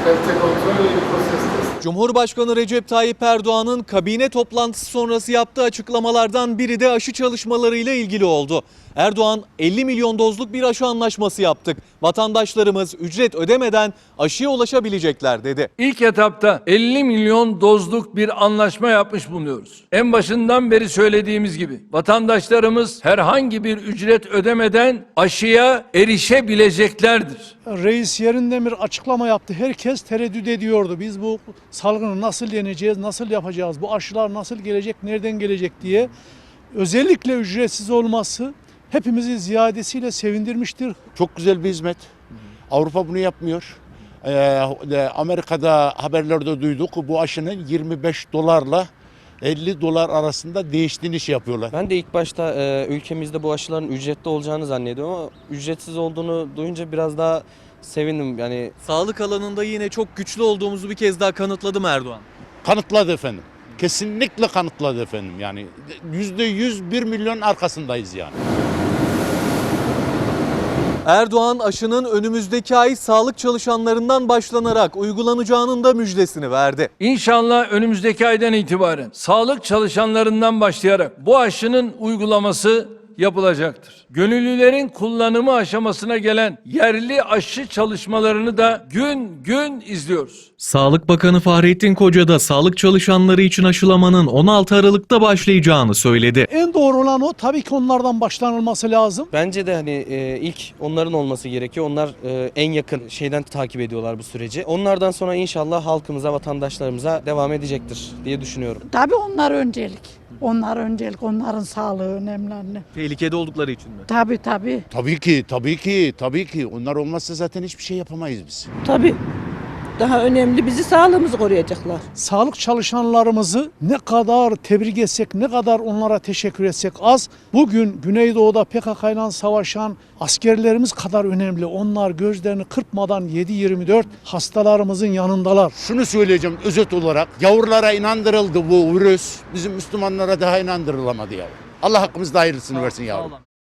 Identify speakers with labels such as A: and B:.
A: Kalite kontrol yeni prosestes.
B: Cumhurbaşkanı Recep Tayyip Erdoğan'ın kabine toplantısı sonrası yaptığı açıklamalardan biri de aşı çalışmalarıyla ilgili oldu. Erdoğan 50 milyon dozluk bir aşı anlaşması yaptık. Vatandaşlarımız ücret ödemeden aşıya ulaşabilecekler dedi.
C: İlk etapta 50 milyon dozluk bir anlaşma yapmış bulunuyoruz. En başından beri söylediğimiz gibi vatandaşlarımız herhangi bir ücret ödemeden aşıya erişebileceklerdir.
D: Reis yerinden bir açıklama yaptı. Herkes tereddüt ediyordu. Biz bu salgını nasıl yeneceğiz, nasıl yapacağız, bu aşılar nasıl gelecek, nereden gelecek diye. Özellikle ücretsiz olması hepimizi ziyadesiyle sevindirmiştir.
E: Çok güzel bir hizmet. Avrupa bunu yapmıyor. Amerika'da haberlerde duyduk bu aşının 25 dolarla 50 dolar arasında değiştiğini yapıyorlar.
F: Ben de ilk başta ülkemizde bu aşıların ücretli olacağını zannediyorum ama ücretsiz olduğunu duyunca biraz daha sevindim. Yani
B: Sağlık alanında yine çok güçlü olduğumuzu bir kez daha kanıtladı mı Erdoğan?
E: Kanıtladı efendim. Kesinlikle kanıtladı efendim. Yani %100 1 milyon arkasındayız yani.
B: Erdoğan aşının önümüzdeki ay sağlık çalışanlarından başlanarak uygulanacağının da müjdesini verdi.
C: İnşallah önümüzdeki aydan itibaren sağlık çalışanlarından başlayarak bu aşının uygulaması yapılacaktır. Gönüllülerin kullanımı aşamasına gelen yerli aşı çalışmalarını da gün gün izliyoruz.
B: Sağlık Bakanı Fahrettin Koca da sağlık çalışanları için aşılamanın 16 Aralık'ta başlayacağını söyledi.
D: En doğru olan o. Tabii ki onlardan başlanılması lazım.
F: bence de ilk onların olması gerekiyor. Onlar en yakın şeyden takip ediyorlar bu süreci. Onlardan sonra inşallah halkımıza, vatandaşlarımıza devam edecektir diye düşünüyorum.
G: Tabii onlar öncelik. Onlar öncelik, onların sağlığı önemli anne.
B: Tehlikede oldukları için mi?
G: Tabii tabii.
E: Tabii ki. Onlar olmazsa zaten hiçbir şey yapamayız biz.
H: Tabii. Daha önemli bizi sağlığımızı koruyacaklar.
D: Sağlık çalışanlarımızı ne kadar tebrik etsek, ne kadar onlara teşekkür etsek az. Bugün Güneydoğu'da PKK ile savaşan askerlerimiz kadar önemli. Onlar gözlerini kırpmadan 7/24 hastalarımızın yanındalar.
E: Şunu söyleyeceğim özet olarak. Yavrulara inandırıldı bu virüs. Bizim Müslümanlara daha inandırılamadı ya. Allah hakkımızda hayırlısını versin yavrum.